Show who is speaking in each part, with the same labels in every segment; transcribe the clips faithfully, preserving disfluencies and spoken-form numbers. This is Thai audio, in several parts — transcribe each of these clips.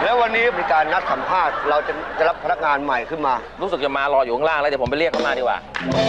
Speaker 1: แล้ววันนี้มีการนัดสัมภาษณ์เราจะจะรับพนักงานใหม่ขึ้นมา
Speaker 2: รู้สึกจะมารออยู่ข้างล่างแล้วเดี๋ยวผมไปเรียกเขามาดีกว่า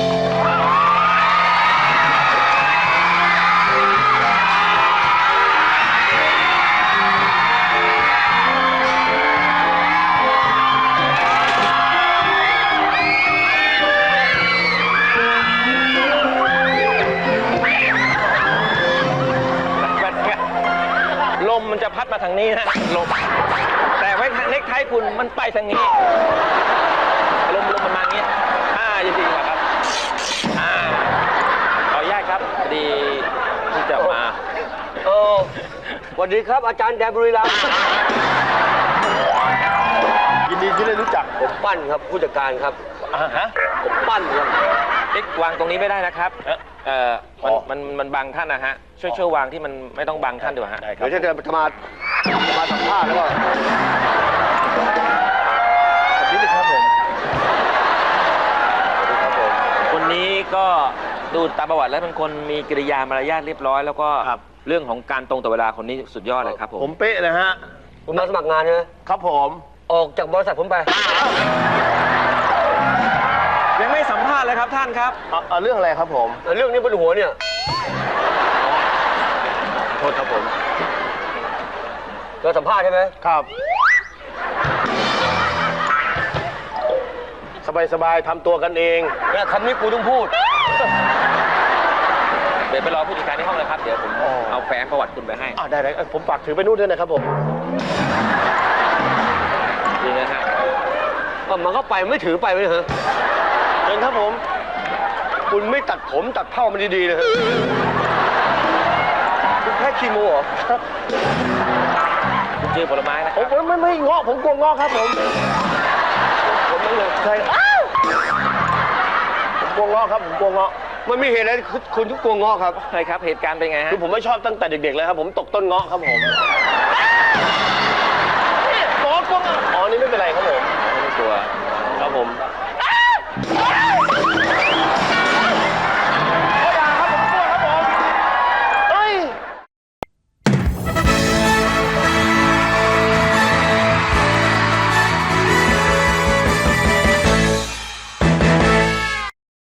Speaker 2: ลมมันจะพัดมาทางนี้นะลมแต่ไว้เน็กไทคุณมันไปทางนี้ลมลมประมาณนี้อ่าจริงๆครับอ่าขออนุญาตครับพอดีที่จะมา
Speaker 1: เออสวัสดีครับอาจารย์แดนบุรีรัมย์
Speaker 3: ยินดีที่ได้รู้จัก
Speaker 1: ผมปั้นครับผู้จัดการครับ
Speaker 2: อ่าฮะ
Speaker 1: ผมปั้นครับ
Speaker 2: เอ็กวางตรงนี้ไม่ได้นะครับเอ่อมันมันมันบังท่านนะฮะช่วยช่วยวางที่มันไม่ต้องบังท่านดีกว่าฮะ
Speaker 1: เดี๋ยวจะจะมาจะมาสัมภาษณ์แล้วก็
Speaker 2: แบบนี้เลยครับผมคนนี้ก็ดูตามประวัติแล้วเป็นคนมีกิริยามารยาทเรียบร้อยแล้วก็เรื่องของการตรงต่อเวลาคนนี้สุดยอดเลยครับผม
Speaker 3: ผมเป๊ะนะฮะ
Speaker 1: คุณมาสมัครงานใช่ไหม
Speaker 3: ครับผม
Speaker 1: ออกจากบริษัทผมไป
Speaker 2: ยังไม่สัมภาษณ์เลยครับท่านครับ
Speaker 3: เอาเรื่องอะไรครับผม
Speaker 1: เรื่องนี้บนหัวเนี่ยโทษครับผมเราสัมภาษณ์ใช่ไหม
Speaker 3: ครับสบายๆทำตัวกันเอง
Speaker 1: เนี่ยคำนี้กูต้องพูด
Speaker 2: เดี๋ยวไปรอผู้จัดการที่ห้องเลยครับเดี๋ยวผมเอาแฟ้มประวัติคุณไปให้
Speaker 3: อ่าได้เลยผมฝากถือไปนู่นด้วยนะครับผม
Speaker 2: ดีนะฮะ
Speaker 1: มันก็ไปไม่ถือไปเลยเหรอ
Speaker 3: เชิญครับผม
Speaker 1: คุณไม่ตัดผมตัดเผ้ามันดีๆเลยคุณแค่คีโมเหรอ
Speaker 2: คุณชื่อผลไม้นะ
Speaker 3: ผมไม่ไม่เงาะผมกลัวเงาะครับผม
Speaker 1: ผมไม่เลยใช่
Speaker 3: ผมกลัวเงาะครับผมกลัวเงาะ
Speaker 1: มันมีเหตุอะไรคุณทุกกลัวเงาะครับ
Speaker 2: ใช่ครับเหตุการณ์เป็นไงฮะ
Speaker 3: คือผมไม่ชอบตั้งแต่เด็กๆเลยครับผมตกต้นเงาะครับผมนี่โกรธกลัวอ๋อนี่ไม่เป็นไรครับ